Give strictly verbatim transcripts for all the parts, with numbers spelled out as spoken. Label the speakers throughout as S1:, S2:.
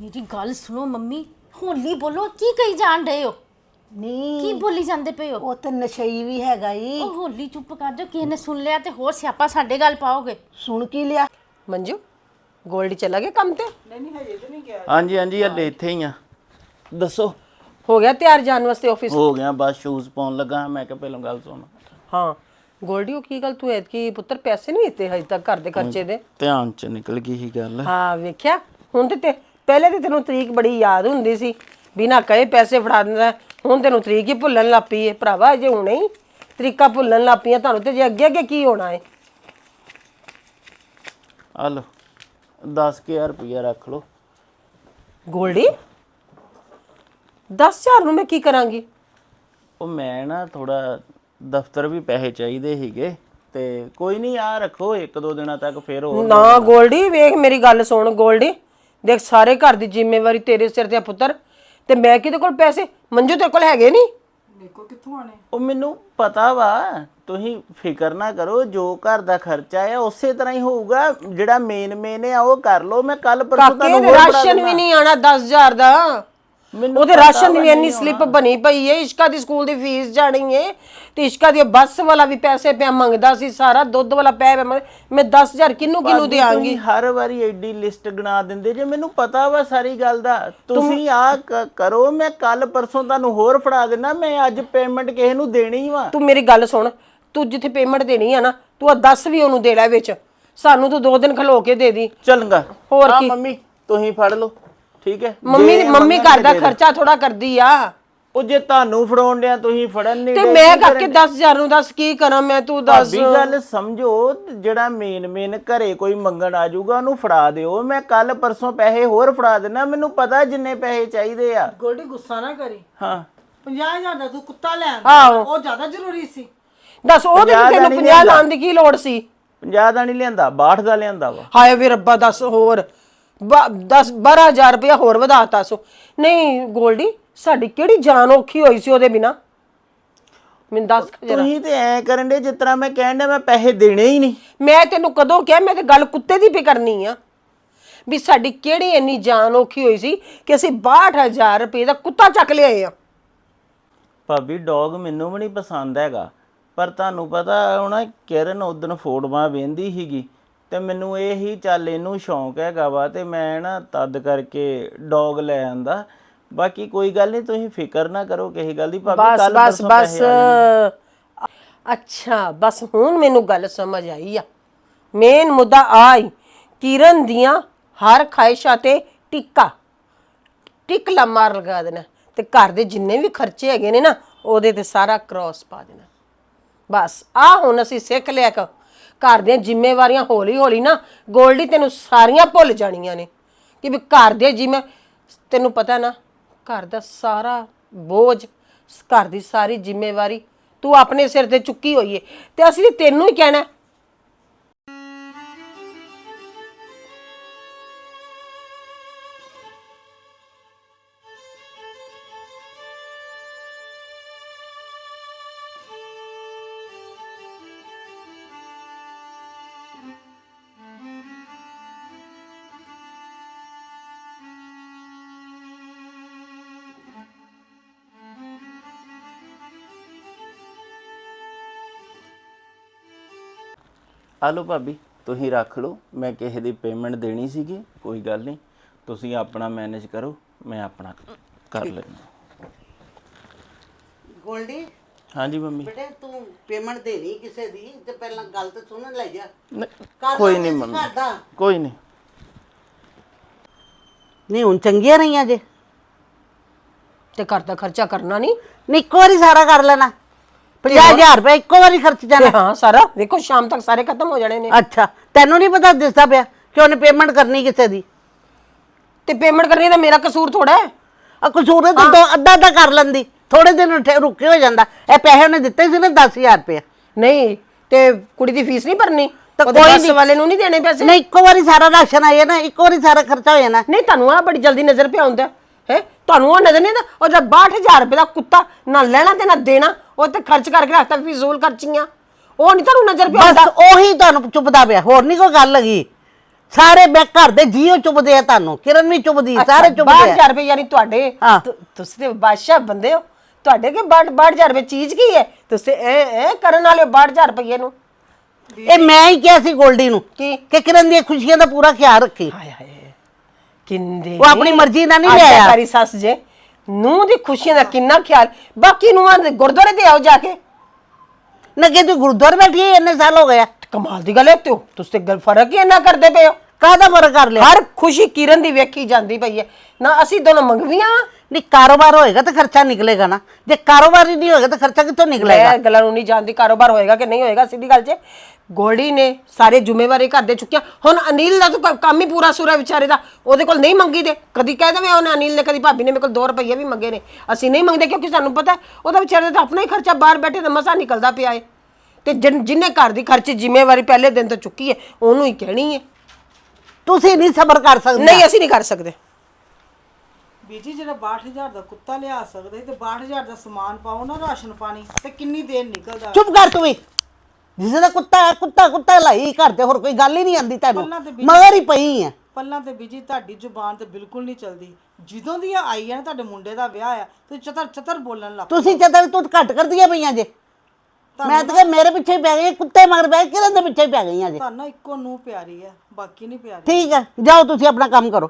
S1: मेरी गल सुनो मम्मी, होली बोलो की कही जान रहे हो?
S2: नहीं
S1: की बोली जांदे पे हो?
S2: ਉਹ ਤਾਂ ਨਸ਼ਈ ਵੀ ਹੈਗਾ ਈ।
S1: ओ होली चुप कर जाओ, किसी ने सुन लिया ते होर स्यापा साडे गल पाओगे।
S2: ਸੁਣ ਕੀ ਲਿਆ?
S3: ਮੰਜੂ ਗੋਲਡੀ ਚਲਾ ਗਿਆ ਕੰਮ ਤੇ?
S4: ਹਾਂਜੀ ਹਾਂਜੀ ਹਲੇ ਇੱਥੇ ਹੀ ਆ। ਦੱਸੋ
S3: ਹੋ ਗਿਆ ਤਿਆਰ ਜਾਣ ਵਾਸਤੇ ਆਫਿਸ?
S4: ਹੋ ਗਿਆ, ਬਸ ਸ਼ੂਜ਼ ਪਾਉਣ ਲੱਗਾ। ਮੈਂ ਕਿਹਾ ਪਹਿਲਾਂ ਗੱਲ ਸੁਣ।
S3: ਹਾਂ ਗੋਲਡੀ ਉਹ ਕੀ ਗੱਲ ਤੂੰ ਐਤਕੀ ਪੁੱਤਰ ਪੈਸੇ ਨਹੀਂ ਦਿੱਤੇ ਹਜੇ ਤੱਕ ਘਰ ਦੇ ਖਰਚੇ ਦੇ?
S4: ਧਿਆਨ ਚ ਨਿਕਲ ਗਈ ਸੀ ਗੱਲ।
S3: ਹਾਂ ਵੇਖਿਆ ਹੁਣ ਤੇ ਤੇ ਪਹਿਲੇ ਤੇ ਤੈਨੂੰ ਤਰੀਕ ਬੜੀ ਯਾਦ ਹੁੰਦੀ ਸੀ, ਬਿਨਾ ਕਹੇ ਪੈਸੇ ਫੜਾ ਦਿੰਦਾ। ਹੁਣ ਤੈਨੂੰ ਤਰੀਕ ਹੀ ਭੁੱਲਣ ਲੱਗ ਪਈ ਏ ਭਰਾਵਾ। ਅਜੇ ਹੁਣੇ ਹੀ ਤਰੀਕਾਂ ਭੁੱਲਣ ਲੱਗ ਪਈਆਂ ਤੁਹਾਨੂੰ, ਤੇ ਜੇ ਅੱਗੇ ਅੱਗੇ ਕੀ ਹੋਣਾ ਏ?
S4: ਆ ਲਓ ਦਸ ਹਜ਼ਾਰ ਰੁਪਇਆ ਰੱਖ ਲਓ।
S3: ਗੋਲਡੀ ਦਸ ਹਜ਼ਾਰ ਨੂੰ ਮੈਂ ਕੀ ਕਰਾਂਗੀ?
S4: ਉਹ ਮੈਂ ਨਾ ਥੋੜਾ ਦਫ਼ਤਰ ਵੀ ਪੈਸੇ ਚਾਹੀਦੇ ਸੀਗੇ ਤੇ ਕੋਈ ਨਹੀਂ ਆ ਰੱਖੋ, ਇੱਕ ਦੋ ਦਿਨਾਂ ਤੱਕ ਫੇਰ ਹੋਰ।
S3: ਨਾ ਗੋਲਡੀ ਵੇਖ ਮੇਰੀ ਗੱਲ ਸੁਣ ਗੋਲਡੀ, ਦੇਖ ਸਾਰੇ ਘਰ ਦੀ ਜ਼ਿੰਮੇਵਾਰੀ ਤੇਰੇ ਸਿਰ ਤੇ ਆ ਪੁੱਤਰ, ਤੇ ਮੈਂ ਕਿਹਦੇ ਕੋਲ ਪੈਸੇ? ਮੰਜੂ ਤੇਰੇ ਕੋਲ ਹੈਗੇ ਨਹੀਂ?
S4: ਉਹ ਮੈਨੂੰ ਪਤਾ ਵਾ, ਤੁਸੀਂ ਫਿਕਰ ਨਾ ਕਰੋ। ਜੋ ਘਰ ਦਾ ਖਰਚਾ ਆ ਉਸੇ ਤਰ੍ਹਾਂ ਹੀ ਹੋਊਗਾ। ਜਿਹੜਾ ਮੇਨ ਮੇਨ ਆ ਉਹ ਕਰ ਲਓ। ਮੈਂ ਕੱਲ ਪਰਸੋਂ
S3: ਕਾਕੇ
S4: ਤੁਹਾਨੂੰ
S3: ਦੇ
S4: ਹੋਰ ਫੜਾ
S3: ਰਾਸ਼ਨ ਵੀ
S4: ਦੇਣਾ।
S3: ਨਹੀਂ ਆਣਾ ਦਸ ਹਜ਼ਾਰ ਦਾ।
S4: ਮੈਨੂੰ
S3: ਉਹਦੇ ਰਾਸ਼ਨ ਦੀ ਵੀ ਇੰਨੀ ਸਲਿੱਪ ਬਣੀ ਪਈ ਏ। ਇਸ਼ਕਾ ਦੀ ਸਕੂਲ ਦੀ ਫੀਸ ਜਾਣੀ ਏ, ਤੇ ਇਸ਼ਕਾ ਦੀ ਬੱਸ ਵਾਲਾ ਵੀ ਪੈਸੇ ਪਿਆ ਮੰਗਦਾ ਸੀ, ਸਾਰਾ ਦੁੱਧ ਵਾਲਾ ਪੈ ਪਿਆ। ਮੈਂ ਦਸ ਹਜ਼ਾਰ ਕਿਹਨੂੰ ਕਿਹਨੂੰ ਦਿਆਂਗੀ?
S4: ਤੁਸੀਂ ਹਰ ਵਾਰੀ ਐਡੀ ਲਿਸਟ ਗਣਾ ਦਿੰਦੇ ਜੇ। ਮੈਨੂੰ ਪਤਾ ਵਾ ਸਾਰੀ ਗੱਲ ਦਾ। ਤੁਸੀਂ ਆ ਕਰੋ, ਮੈਂ ਕੱਲ ਪਰਸੋਂ ਤੁਹਾਨੂੰ ਹੋਰ ਫੜਾ ਦੇਣਾ। ਮੈਂ ਅੱਜ ਪੇਮੈਂਟ ਕਿਸੇ ਨੂੰ ਦੇਣੀ ਵਾ।
S3: ਤੂੰ ਮੇਰੀ ਗੱਲ ਸੁਣ, ਤੂੰ ਜਿੱਥੇ ਪੇਮੈਂਟ ਦੇਣੀ ਆ ਨਾ, ਤੂੰ ਆ ਦਸ ਵੀ ਉਹਨੂੰ ਦੇ ਲੈ ਵਿੱਚ। ਸਾਨੂੰ ਤੂੰ ਦੋ ਦਿਨ ਖਲੋ ਕੇ ਦੇ ਦੀ।
S4: ਚਲਗਾ
S3: ਹੋਰ
S4: ਆ
S3: ਕੀ?
S4: ਮੰਮੀ ਤੁਸੀਂ ਫੜ ਲਓ, ਠੀਕ ਹੈ।
S3: ਮੰਮੀ
S4: ਜੇ
S3: ਮੰਮੀ
S4: ਮੰਗਣਗੇ
S3: ਘਰ ਦਾ
S4: ਦੇ ਦਿਓ।
S3: ਖਰਚਾ ਥੋੜਾ ਕਰਦੀ ਆ।
S4: ਉਹ ਜੇ ਤੁਹਾਨੂੰ ਫੜਾਉਣ ਡਿਆ ਤੁਸੀਂ ਫੜਨ ਨਹੀਂ
S3: ਤੇ
S4: ਡਏ,
S3: ਮੈਂ
S4: ਕੀ
S3: ਕਰਕੇ
S4: ਕਰਨ
S3: ਦਸ ਹਜ਼ਾਰ ਨੂੰ ਦੱਸ ਕੀ ਕਰਾਂ ਮੈਂ? ਤੂੰ ਦੱਸ।
S4: ਭਾਬੀ ਗੱਲ ਸਮਝੋ, ਜਿਹੜਾ ਮੇਨ ਮੇਨ ਘਰੇ ਕੋਈ ਮੰਗਣ ਆ ਜਾਊਗਾ ਉਹਨੂੰ ਫੜਾ ਦਿਓ। ਮੈਂ ਕੱਲ ਪਰਸੋਂ ਪੈਸੇ ਹੋਰ ਫੜਾ ਦੇਣਾ। ਮੈਨੂੰ ਪਤਾ ਜਿੰਨੇ ਪੈਸੇ ਚਾਹੀਦੇ ਆ।
S5: ਗੋਲਡੀ ਗੁੱਸਾ ਨਾ ਕਰੀ।
S4: ਹਾਂ
S5: ਪੰਜਾਹ ਹਜ਼ਾਰ ਦਾ ਤੂੰ ਕੁੱਤਾ ਲੈ
S3: ਆਹੋ।
S5: ਆਂਦਾ, ਉਹ ਜ਼ਿਆਦਾ ਜ਼ਰੂਰੀ ਸੀ।
S3: ਦੱਸ ਉਹਦੇ
S4: ਪੰਜਾਹ
S3: ਤੇ
S4: ਦਾ
S3: ਤੈਨੂੰ
S4: ਨਹੀਂ
S3: ਪੰਜਾਹ
S4: ਲਿਆਂਦਾ।
S3: ਲਾਉਣ ਦੀ ਕੀ ਲੋੜ ਸੀ?
S4: ਪੰਜਾਹ ਦਾ ਨਹੀਂ ਲਿਆਂਦਾ, ਬਾਹਠ ਦਾ ਲਿਆਂਦਾ ਵਾ।
S3: ਹਾਏ ਵੇ ਰੱਬਾ, ਦੱਸ ਹੋਰ ਦਸ ਬਾਰਾਂ ਹਜ਼ਾਰ ਰੁਪਇਆ ਹੋਰ ਵਧਾਤਾ ਸੋ। ਨਹੀਂ ਗੋਲਡੀ ਸਾਡੀ ਕਿਹੜੀ ਜਾਨ ਔਖੀ ਹੋਈ ਸੀ ਉਹਦੇ ਬਿਨਾ? ਮੈਨੂੰ ਦੱਸ ਜਰਾ।
S4: ਤੁਸੀਂ ਤੇ ਐ ਕਰਨ ਦੇ ਜਿਸ ਤਰ੍ਹਾਂ ਮੈਂ ਕਹਿਣ ਡਿਆ ਮੈਂ ਪੈਸੇ ਦੇਣੇ ਹੀ ਨਹੀਂ।
S3: ਮੈਂ ਤੈਨੂੰ ਕਦੋਂ ਕਿਹਾ? ਮੈਂ ਤੇ ਗੱਲ ਕੁੱਤੇ ਦੀ ਵੀ ਕਰਨੀ ਆ ਵੀ ਸਾਡੀ ਕਿਹੜੀ ਇੰਨੀ ਜਾਨ ਔਖੀ ਹੋਈ ਸੀ ਕਿ ਅਸੀਂ ਬਾਹਠ ਹਜ਼ਾਰ ਰੁਪਏ ਦਾ ਕੁੱਤਾ ਚੱਕ ਲਿਆਏ ਆ।
S4: ਭਾਬੀ ਡੌਗ ਮੈਨੂੰ ਵੀ ਨਹੀਂ ਪਸੰਦ ਹੈਗਾ, ਪਰ ਤੁਹਾਨੂੰ ਪਤਾ ਹੁਣ ਕਿਰਨ ਉਦਣ ਫੋਟੋਆਂ ਵੇਂਦੀ ਸੀਗੀ ਤੇ ਮੈਨੂੰ ਇਹ ਹੀ ਚੱਲ ਇਹਨੂੰ ਸ਼ੌਂਕ ਹੈਗਾ ਵਾ ਤੇ ਮੈਂ ਨਾ ਤਦ ਕਰਕੇ ਡੌਗ ਲੈ ਆਂਦਾ। ਬਾਕੀ ਕੋਈ ਗੱਲ ਨਹੀਂ, ਤੁਸੀਂ ਫਿਕਰ ਨਾ ਕਰੋ ਕਿਸੇ ਗੱਲ ਦੀ। ਭਾਬੀ
S3: ਬਸ
S4: ਕੱਲ
S3: ਬਸ
S4: ਪਰਸੋਂ
S3: ਬਸ
S4: ਪੈਸੇ ਆ ਜਾਣਗੇ।
S3: ਅੱਛਾ ਬਸ ਹੁਣ ਮੈਨੂੰ ਗੱਲ ਸਮਝ ਆਈ ਆ। ਮੇਨ ਮੁੱਦਾ ਆਈ ਕਿਰਨ ਦੀਆਂ ਹਰ ਖਾਹਿਸ਼ਾਂ ਤੇ ਟਿੱਕਾ ਟਿਕ ਲਾ ਮਾਰ ਲਗਾ ਦੇਣਾ, ਤੇ ਘਰ ਦੇ ਜਿੰਨੇ ਵੀ ਖਰਚੇ ਹੈਗੇ ਨੇ ਨਾ ਉਹਦੇ ਤੇ ਸਾਰਾ ਕ੍ਰੋਸ ਪਾ ਦੇਣਾ। ਬਸ ਆ ਹੁਣ ਅਸੀਂ ਸਿੱਖ ਲਿਆ ਕਿ ਘਰ ਦੀਆਂ ਜ਼ਿੰਮੇਵਾਰੀਆਂ ਹੌਲੀ ਹੌਲੀ ਨਾ ਗੋਲਡੀ ਤੈਨੂੰ ਸਾਰੀਆਂ ਭੁੱਲ ਜਾਣੀਆਂ ਨੇ ਕਿ ਵੀ ਘਰ ਦੇ ਜਿਵੇਂ ਤੈਨੂੰ ਪਤਾ ਨਾ ਘਰ ਦਾ ਸਾਰਾ ਬੋਝ, ਘਰ ਦੀ ਸਾਰੀ ਜ਼ਿੰਮੇਵਾਰੀ ਤੂੰ ਆਪਣੇ ਸਿਰ ਤੇ ਚੁੱਕੀ ਹੋਈ ਏ, ਤੇ ਅਸੀਂ ਤੈਨੂੰ ਹੀ ਕਹਿਣਾ।
S4: ਆ ਲਓ ਭਾਬੀ ਤੁਸੀਂ ਰੱਖ ਲਓ। ਮੈਂ ਕਿਸੇ ਦੀ ਪੇਮੈਂਟ ਦੇਣੀ ਸੀਗੀ, ਕੋਈ ਗੱਲ ਨਹੀਂ। ਤੁਸੀਂ ਆਪਣਾ ਮੈਨੇਜ ਕਰੋ, ਮੈਂ ਆਪਣਾ ਕਰ ਲੈਂਦਾ।
S2: ਗੋਲਡੀ
S4: ਹਾਂਜੀ ਮੰਮੀ।
S2: ਬੇਟੇ ਤੂੰ ਪੇਮੈਂਟ ਦੇਣੀ ਕਿਸੇ ਦੀ ਤੇ ਪਹਿਲਾਂ ਗੱਲ ਤੇ ਸੁਣ ਲੈ ਜਾ।
S4: ਨਹੀਂ,
S2: ਕਰ
S4: ਕੋਈ
S2: ਲਾਂਗੇ
S4: ਨਹੀਂ
S2: ਅਸੀਂ
S4: ਮੰਮੀ,
S2: ਘਰ ਦਾ।
S4: ਕੋਈ ਨਹੀਂ।
S2: ਨਹੀਂ ਹੁਣ ਚੰਗੀਆਂ ਰਹੀਆਂ ਜੇ।
S3: ਤੇ ਘਰ ਦਾ ਖਰਚਾ ਕਰਨਾ ਨਹੀਂ?
S2: ਨਹੀਂ ਇੱਕੋ ਵਾਰੀ ਸਾਰਾ ਕਰ ਲੈਣਾ। ਪੰਜਾਹ ਹਜ਼ਾਰ ਰੁਪਏ ਇੱਕੋ ਵਾਰੀ ਖਰਚ
S3: ਤੇ
S2: ਜਾਣਾ।
S3: ਹਾਂ ਸਾਰਾ ਵੇਖੋ ਸ਼ਾਮ ਤੱਕ ਸਾਰੇ ਖਤਮ ਹੋ ਜਾਣੇ ਨੇ।
S2: ਅੱਛਾ ਤੈਨੂੰ ਨਹੀਂ ਪਤਾ ਦਿਸਦਾ ਪਿਆ ਕਿ ਉਹਨੇ ਪੇਮੈਂਟ ਕਰਨੀ ਕਿਸੇ ਦੀ?
S3: ਤੇ ਪੇਮੈਂਟ ਕਰਨੀ ਤਾਂ ਮੇਰਾ ਕਸੂਰ ਥੋੜਾ ਹੈ।
S2: ਆ ਕਸੂਰ ਹੈ ਤਾਂ ਦੋ ਅੱਧਾ ਅੱਧਾ ਕਰ ਲੈਂਦੀ, ਥੋੜੇ ਦਿਨ ਠੇ- ਰੁਕੇ ਹੋ ਜਾਂਦਾ। ਇਹ ਪੈਸੇ ਉਹਨੇ ਦਿੱਤੇ ਸੀ ਨਾ ਦਸ ਹਜ਼ਾਰ ਰੁਪਏ।
S3: ਨਹੀਂ ਤੇ ਕੁੜੀ ਦੀ ਫੀਸ ਨਹੀਂ ਭਰਨੀ?
S2: ਤਾਂ
S3: ਉਹਦੇ
S2: ਕੋਈ
S3: ਬੱਸ
S2: ਨਹੀਂ।
S3: ਵਾਲੇ ਨੂੰ ਨਹੀਂ ਦੇਣੇ ਪੈਸੇ?
S2: ਨਹੀਂ ਇੱਕੋ ਵਾਰੀ ਸਾਰਾ ਰਾਸ਼ਨ ਆਇਆ ਨਾ, ਇੱਕੋ ਵਾਰੀ ਸਾਰਾ ਖਰਚਾ ਹੋ ਜਾਣਾ।
S3: ਨਹੀਂ ਤੁਹਾਨੂੰ ਆ ਬੜੀ ਜਲਦੀ ਨਜ਼ਰ ਪਿਆ ਹੁੰਦਾ ਹੈ। ਤੁਹਾਨੂੰ ਉਹ ਨਜ਼ਰ ਨਹੀਂ ਆਉਂਦਾ ਉਹ ਜਦ ਬਾਹਠ ਹਜ਼ਾਰ ਰੁਪਏ ਦਾ ਕੁੱਤਾ ਨਾ ਲੈਣਾ ਤੇ ਨਾ ਦੇਣਾ, ਉਹ ਤੇ ਖਰਚ ਕਰਕੇ ਰੱਖਤਾ ਫਿਜ਼ੂਲ ਖਰਚੀਆਂ, ਉਹ ਨਹੀਂ ਤੁਹਾਨੂੰ ਨਜ਼ਰ ਪਿਆ
S2: ਬਸ
S3: ਹੁੰਦਾ?
S2: ਉਹੀ ਤੁਹਾਨੂੰ ਚੁੱਪਦਾ ਪਿਆ, ਹੋਰ ਨਹੀਂ ਕੋਈ ਗੱਲ ਹੈਗੀ। ਸਾਰੇ ਬੈ ਘਰ ਦੇ ਜੀਓ ਚੁੱਪਦੇ ਆ ਤੁਹਾਨੂੰ, ਕਿਰਨ ਵੀ ਚੁੱਪਦੀ, ਸਾਰੇ ਚੁੱਪਦੇ
S3: ਬਾਹਠ
S2: ਆ।
S3: ਹਜ਼ਾਰ ਰੁਪਏ ਯਾਨੀ ਤੁਹਾਡੇ
S2: ਹਾਂ।
S3: ਤੁ- ਤੁਸੀਂ ਤੇ ਬਾਦਸ਼ਾਹ ਬੰਦੇ ਹੋ, ਤੁਹਾਡੇ ਕੇ ਬਾਹਠ ਬਾਹਠ ਹਜ਼ਾਰ ਰੁਪਏ ਚੀਜ਼ ਕੀ ਹੈ? ਤੁਸੀਂ ਇਹ ਇਹ ਕਰਨ ਵਾਲੇ ਬਾਹਠ ਹਜ਼ਾਰ ਰੁਪਏ ਨੂੰ
S2: ਇਹ ਮੈਂ ਹੀ ਕਿਹਾ ਸੀ ਗੋਲਡੀ ਨੂੰ
S3: ਕੀ?
S2: ਕਿ ਕਿਰਨ ਦੀਆਂ ਖੁਸ਼ੀਆਂ ਦਾ ਪੂਰਾ ਖਿਆਲ ਰੱਖੀ।
S3: ਹਾਏ ਹਾਏ ਕਿੰਦੇ
S2: ਉਹ ਆਪਣੀ ਮਰਜ਼ੀ ਨਾਲ ਨਹੀਂ ਲਿਆਇਆ।
S3: ਆਗਿਆਕਾਰੀ ਸੱਸ ਜੇ ਨੂੰਹ ਦੀ ਖੁਸ਼ੀਆਂ ਦਾ ਕਿੰਨਾ ਖਿਆਲ, ਬਾਕੀ ਨੂੰਹਾਂ ਦੇ ਗੁਰਦੁਆਰੇ ਤੇ ਆਓ ਜਾ ਕੇ।
S2: ਨਾ ਕਿ ਤੂੰ ਗੁਰਦੁਆਰੇ ਬੈਠੀ ਹੈ ਇੰਨੇ ਸਾਲ ਹੋ ਗਿਆ,
S3: ਕਮਾਲ ਦੀ ਗੱਲ ਹੈ, ਤੇ ਤੁਸੀਂ ਤੇ ਗੱਲ ਫਰਕ ਹੀ ਇੰਨਾ ਕਰਦੇ ਪਏ ਹੋ।
S2: ਕਾਹਦਾ ਫਰਕ ਕਰ ਲਿਆ?
S3: ਹਰ ਖੁਸ਼ੀ ਕਿਰਨ ਦੀ ਵੇਖੀ ਜਾਂਦੀ ਪਈ ਹੈ ਨਾ, ਅਸੀਂ ਦੋਨੋਂ ਮੰਗਵੀਆਂ ਵਾਂ।
S2: ਨਹੀਂ ਕਾਰੋਬਾਰ ਹੋਏਗਾ ਤਾਂ ਖਰਚਾ ਨਿਕਲੇਗਾ ਨਾ, ਜੇ ਕਾਰੋਬਾਰ ਹੀ ਨਹੀਂ ਹੋਏਗਾ ਤਾਂ ਖਰਚਾ ਕਿੱਥੋਂ ਨਿਕਲੇਗਾ?
S3: ਮੈਂ ਗੱਲਾਂ ਨੂੰ ਨਹੀਂ ਜਾਣਦੀ ਕਾਰੋਬਾਰ ਹੋਏਗਾ ਕਿ ਨਹੀਂ ਹੋਏਗਾ, ਸਿੱਧੀ ਗੱਲ 'ਚ ਗੋਲਡੀ ਨੇ ਸਾਰੇ ਜ਼ਿੰਮੇਵਾਰੀ ਘਰ ਦੇ ਚੁੱਕਿਆ। ਹੁਣ ਅਨਿਲ ਦਾ ਤਾਂ ਕੰਮ ਹੀ ਪੂਰਾ ਸੁਰਾ ਵਿਚਾਰੇ ਦਾ, ਉਹਦੇ ਕੋਲ ਨਹੀਂ ਮੰਗੀ ਦੇ। ਕਦੀ ਕਹਿ ਦਵੇਂ ਉਹਨੇ ਅਨਿਲ ਨੇ, ਕਦੀ ਭਾਬੀ ਨੇ ਮੇਰੇ ਕੋਲ ਦੋ ਰੁਪਏ ਵੀ ਮੰਗੇ ਨੇ, ਅਸੀਂ ਨਹੀਂ ਮੰਗਦੇ ਕਿਉਂਕਿ ਸਾਨੂੰ ਪਤਾ ਉਹਦਾ ਵਿਚਾਰੇ ਦਾ ਆਪਣਾ ਹੀ ਖਰਚਾ ਬਾਹਰ ਬੈਠੇ ਤਾਂ ਮਸਾ ਨਿਕਲਦਾ ਪਿਆ ਏ। ਤੇ ਜਿੰਨੇ ਘਰ ਦੀ ਖਰਚੇ ਜ਼ਿੰਮੇਵਾਰੀ ਪਹਿਲੇ ਦਿਨ ਤੋਂ ਚੁੱਕੀ ਹੈ ਉਹਨੂੰ ਹੀ ਕਹਿਣੀ ਹੈ।
S2: ਤੁਸੀਂ ਨਹੀਂ ਸਬਰ ਕਰ ਸਕਦੇ?
S3: ਨਹੀਂ ਅਸੀਂ ਨਹੀਂ ਕਰ ਸਕਦੇ।
S5: ਬੀਜੀ ਜਿਹੜਾ ਬਾਹਠ ਹਜ਼ਾਰ ਦਾ ਕੁੱਤਾ ਲਿਆ ਸਕਦੇ ਤੇ ਬਾਹਠ ਹਜ਼ਾਰ ਦਾ ਸਮਾਨ ਪਾਓ ਨਾ, ਰਾਸ਼ਨ ਪਾਣੀ, ਤੇ ਕਿੰਨੀ ਦੇਰ ਨਿਕਲਦਾ।
S2: ਚੁੱਪ ਕਰ ਤੂੰ ਵੀ, ਜਿਸ ਦਾ ਕੁੱਤਾ ਹੈ, ਕੁੱਤਾ ਕੁੱਤਾ ਲਾਈ ਘਰ ਤੇ, ਹੋਰ ਕੋਈ ਗੱਲ ਹੀ ਨਹੀਂ ਆਂਦੀ ਤੈਨੂੰ,
S5: ਪੱਲਾਂ ਤੇ ਬੀਜੀ-
S2: ਮਗਰ ਹੀ ਪਈ ਹੈ।
S5: ਪੱਲਾਂ ਤੇ ਬੀਜੀ ਤੁਹਾਡੀ ਜ਼ੁਬਾਨ ਤੇ ਬਿਲਕੁਲ ਨਹੀਂ ਚੱਲਦੀ। ਜਦੋਂ ਦੀ ਇਹ ਆਈ ਹੈ ਨਾ ਤੁਹਾਡੇ ਮੁੰਡੇ ਦਾ ਵਿਆਹ ਆ, ਤੁਸੀਂ ਚਤਰ ਚਤਰ ਬੋਲਣ ਲੱਗ
S2: ਤੁਸੀਂ ਚਤਰ ਤੂੰ ਘੱਟ ਕਰਦੀਆਂ ਪਈਆਂ ਜੇ। ਮੈਂ ਤਾਂ ਕਿਹਾ ਮੇਰੇ ਪਿੱਛੇ ਹੀ ਪੈ ਗਈ, ਕੁੱਤੇ ਮਗਰ ਪੈ ਕਿਰਨ ਦੇ ਪਿੱਛੇ ਹੀ ਪੈ ਗਈਆਂ ਜੇ।
S5: ਤੁਹਾਨੂੰ ਇੱਕੋ ਨੂੰ ਪਿਆਰੀ ਹੈ, ਬਾਕੀ ਨਹੀਂ ਪਿਆਰੀ।
S2: ਠੀਕ ਹੈ, ਜਾਓ ਤੁਸੀਂ ਆਪਣਾ ਕੰਮ ਕਰੋ।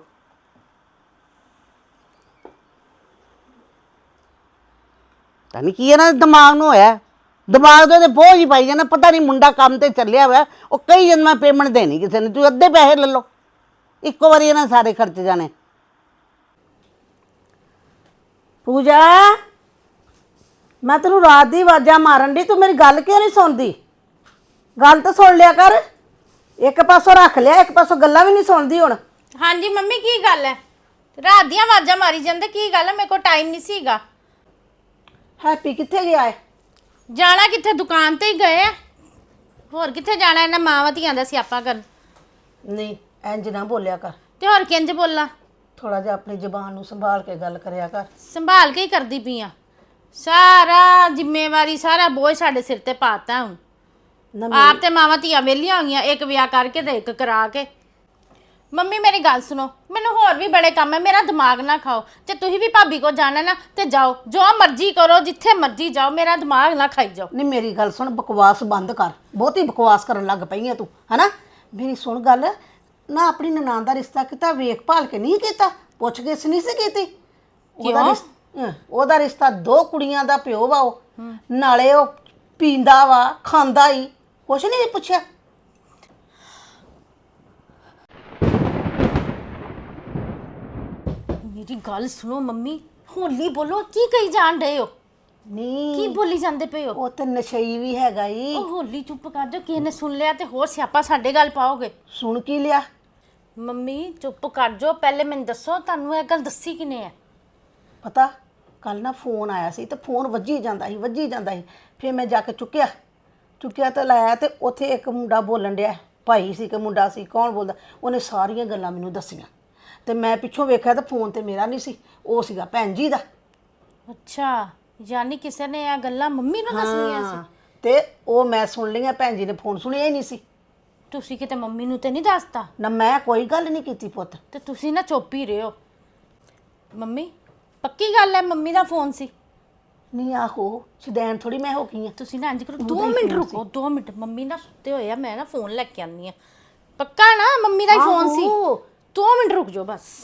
S2: ਤਾਂ ਨਹੀਂ ਕੀ ਇਹਨਾਂ ਦੇ ਦਿਮਾਗ ਨੂੰ ਹੋਇਆ, ਦਿਮਾਗ ਦੇ ਬੋਝ ਹੀ ਪਾਈ ਜਾਣਾ। ਪਤਾ ਨਹੀਂ ਮੁੰਡਾ ਕੰਮ ਤੇ ਚੱਲਿਆ ਹੋਇਆ, ਉਹ ਕਈ ਜਨ ਮੈਂ ਪੇਮੈਂਟ ਦੇਣੀ ਕਿਸੇ ਨੇ, ਤੂੰ ਅੱਧੇ ਪੈਸੇ ਲੈ ਲਓ, ਇੱਕੋ ਵਾਰੀ ਇਹਨਾਂ ਸਾਰੇ ਖਰਚ ਜਾਣੇ।
S6: ਪੂਜਾ, ਮੈਂ ਤੈਨੂੰ ਰਾਤ ਦੀ ਆਵਾਜ਼ਾਂ ਮਾਰਨ ਦੀ, ਤੂੰ ਮੇਰੀ ਗੱਲ ਕਿਉਂ ਨਹੀਂ ਸੁਣਦੀ? ਗੱਲ ਤਾਂ ਸੁਣ ਲਿਆ ਕਰ, ਇੱਕ ਪਾਸੋਂ ਰੱਖ ਲਿਆ, ਇੱਕ ਪਾਸੋਂ ਗੱਲਾਂ ਵੀ ਨਹੀਂ ਸੁਣਦੀ ਹੁਣ।
S1: ਹਾਂਜੀ ਮੰਮੀ ਕੀ ਗੱਲ ਹੈ? ਰਾਤ ਦੀਆਂ ਆਵਾਜ਼ਾਂ ਮਾਰੀ ਜਾਂਦੇ, ਕੀ ਗੱਲ ਹੈ? ਮੇਰੇ ਕੋਲ ਟਾਈਮ ਨਹੀਂ ਸੀਗਾ।
S6: ਹੈਪੀ ਕਿੱਥੇ ਗਿਆ ਹੈ?
S1: ਜਾਣਾ ਕਿੱਥੇ, ਦੁਕਾਨ ਤੇ ਹੀ ਗਏ ਆ, ਹੋਰ ਕਿੱਥੇ ਜਾਣਾ? ਇਹਨਾਂ ਮਾਵਾਂ ਧੀਆਂ ਦਾ ਸਿਆਪਾ ਕਰਨ।
S6: ਨਹੀਂ ਇੰਜ ਨਾ ਬੋਲਿਆ ਕਰ,
S1: ਤੇ ਹੋਰ ਕਿੰਜ ਬੋਲਾਂ?
S6: ਥੋੜਾ ਜਿਹਾ ਆਪਣੀ ਜ਼ੁਬਾਨ ਨੂੰ ਸੰਭਾਲ ਕੇ ਗੱਲ ਕਰਿਆ ਕਰ।
S1: ਸੰਭਾਲ ਕੇ ਹੀ ਕਰਦੀ ਪਈ ਆ, ਸਾਰਾ ਜ਼ਿੰਮੇਵਾਰੀ ਸਾਰਾ ਬੋਝ ਸਾਡੇ ਸਿਰ ਤੇ ਪਾਤਾ ਹੁਣ।
S6: ਨਾ
S1: ਆਪ ਤੇ ਮਾਵਾਂ ਧੀਆਂ ਵਿਹਲੀਆਂ ਹੋਈਆਂ, ਇੱਕ ਵਿਆਹ ਕਰਕੇ ਤੇ ਇੱਕ ਕਰਾ ਕੇ। ਮੰਮੀ ਮੇਰੀ ਗੱਲ ਸੁਣੋ, ਮੈਨੂੰ ਹੋਰ ਵੀ ਬੜੇ ਕੰਮ ਹੈ, ਮੇਰਾ ਦਿਮਾਗ ਨਾ ਖਾਓ। ਜੇ ਤੁਸੀਂ ਵੀ ਭਾਬੀ ਕੋ ਜਾਣਾ ਨਾ ਤੇ ਜਾਓ, ਜੋ ਮਰਜ਼ੀ ਕਰੋ, ਜਿੱਥੇ ਮਰਜ਼ੀ ਜਾਓ, ਮੇਰਾ ਦਿਮਾਗ ਨਾ ਖਾਈ ਜਾਓ।
S6: ਨਹੀਂ ਮੇਰੀ ਗੱਲ ਸੁਣ, ਬਕਵਾਸ ਬੰਦ ਕਰ, ਬਹੁਤੀ ਬਕਵਾਸ ਕਰਨ ਲੱਗ ਪਈ ਹੈ ਤੂੰ, ਹਨਾ? ਮੇਰੀ ਸੁਣ ਗੱਲ, ਨਾ ਆਪਣੀ ਨਨਾਣ ਦਾ ਰਿਸ਼ਤਾ ਕੀਤਾ ਵੇਖ ਭਾਲ ਕੇ ਨਹੀਂ ਕੀਤਾ, ਪੁੱਛ ਗਿੱਛ ਨਹੀਂ ਸੀ ਕੀਤੀ? ਉਹਦਾ ਰਿਸ਼- ਅਹ, ਉਹਦਾ ਰਿਸ਼ਤਾ ਦੋ ਕੁੜੀਆਂ ਦਾ ਪਿਓ ਵਾ, ਉਹ ਨਾਲੇ ਉਹ ਪੀਂਦਾ ਵਾ, ਖਾਂਦਾ ਹੀ, ਕੁਛ ਨਹੀਂ ਪੁੱਛਿਆ?
S1: ਮੇਰੀ ਗੱਲ ਸੁਣੋ ਮੰਮੀ, ਹੋਲੀ ਬੋਲੋ, ਕੀ ਕਹੀ ਜਾਣ ਰਹੇ ਹੋ? ਕੀ
S6: ਨਹੀਂ
S1: ਬੋਲੀ ਜਾਂਦੇ ਪਏ ਹੋ?
S6: ਉਹ ਤੇ ਨਸ਼ਈ ਵੀ ਹੈਗਾ ਈ।
S1: ਉਹ ਹੋਲੀ ਚੁੱਪ ਕਰ ਜਾਓ, ਕਿਸੇ ਨੇ ਸੁਣ ਲਿਆ ਤੇ ਹੋਰ ਸਿਆਪਾ ਸਾਡੇ ਗੱਲ ਪਾਓਗੇ।
S6: ਸੁਣ ਕੀ ਲਿਆ?
S1: ਮੰਮੀ ਚੁੱਪ ਕਰ ਜਾਓ, ਪਹਿਲੇ ਮੈਨੂੰ ਦੱਸੋ ਤੁਹਾਨੂੰ ਇਹ ਗੱਲ ਦੱਸੀ ਕਿਨੇ ਹੈ?
S6: ਪਤਾ ਕੱਲ ਨਾ ਫੋਨ ਆਇਆ ਸੀ ਤੇ ਫੋਨ ਵੱਜੀ ਜਾਂਦਾ ਸੀ ਵੱਜੀ ਜਾਂਦਾ ਸੀ ਫਿਰ ਮੈਂ ਜਾ ਕੇ ਚੁੱਕਿਆ ਚੁੱਕਿਆ ਤੇ ਲਾਇਆ ਤੇ ਉੱਥੇ ਇੱਕ ਮੁੰਡਾ ਬੋਲਣ ਡਿਆ, ਭਾਈ ਸੀ ਕਿ ਮੁੰਡਾ ਸੀ, ਕੌਣ ਬੋਲਦਾ, ਉਹਨੇ ਸਾਰੀਆਂ ਗੱਲਾਂ ਮੈਨੂੰ ਦੱਸੀਆਂ ਤੇ ਮੈਂ ਪਿੱਛੋਂ ਵੇਖਿਆ ਤਾਂ ਫੋਨ ਤੇ ਮੇਰਾ ਨਹੀਂ ਸੀ, ਉਹ ਸੀਗਾ ਭੈਣ ਜੀ ਦਾ।
S1: ਅੱਛਾ, ਯਾਨੀ ਕਿਸੇ ਨੇ ਇਹ ਗੱਲਾਂ ਮੰਮੀ ਨੂੰ ਦੱਸਣੀਆਂ ਸੀ?
S6: ਹਾਂ, ਤੇ ਉਹ ਮੈਂ ਸੁਣ ਲਈਆਂ, ਭੈਣ ਜੀ ਨੇ ਫੋਨ ਸੁਣਿਆ ਹੀ ਨਹੀਂ ਸੀ।
S1: ਤੁਸੀਂ ਕਿਤੇ ਮੰਮੀ ਨੂੰ ਤੇ ਨਹੀਂ ਦੱਸਤਾ?
S6: ਨਾ ਮੈਂ ਕੋਈ ਗੱਲ ਨਹੀਂ ਕੀਤੀ ਪੁੱਤ।
S1: ਤੇ ਤੁਸੀਂ ਨਾ ਚੁੱਪ ਹੀ ਰਹੋ। ਮੰਮੀ ਪੱਕੀ ਗੱਲ ਹੈ ਮੰਮੀ ਦਾ ਫੋਨ ਸੀ?
S6: ਨਹੀਂ ਆਹੋ, ਸ਼ਦੈਨ ਥੋੜੀ ਮੈਂ ਹੋ ਗਈ ਆ।
S1: ਤੁਸੀਂ ਨਾ ਇੰਜ ਕਰੋ, ਦੋ ਮਿੰਟ ਰੁਕੋ, ਦੋ ਮਿੰਟ, ਮੰਮੀ ਨਾ ਸੁੱਤੇ ਹੋਏ ਆ, ਮੈਂ ਨਾ ਫੋਨ ਲੈ ਕੇ ਆਨੀ ਆ। ਪੱਕਾ ਨਾ ਮੰਮੀ ਦਾ ਹੀ ਫੋਨ ਸੀ?
S6: ਆਹੋ।
S1: ਦੋ ਮਿੰਟ ਰੁਕ ਜਾਓ ਬਸ।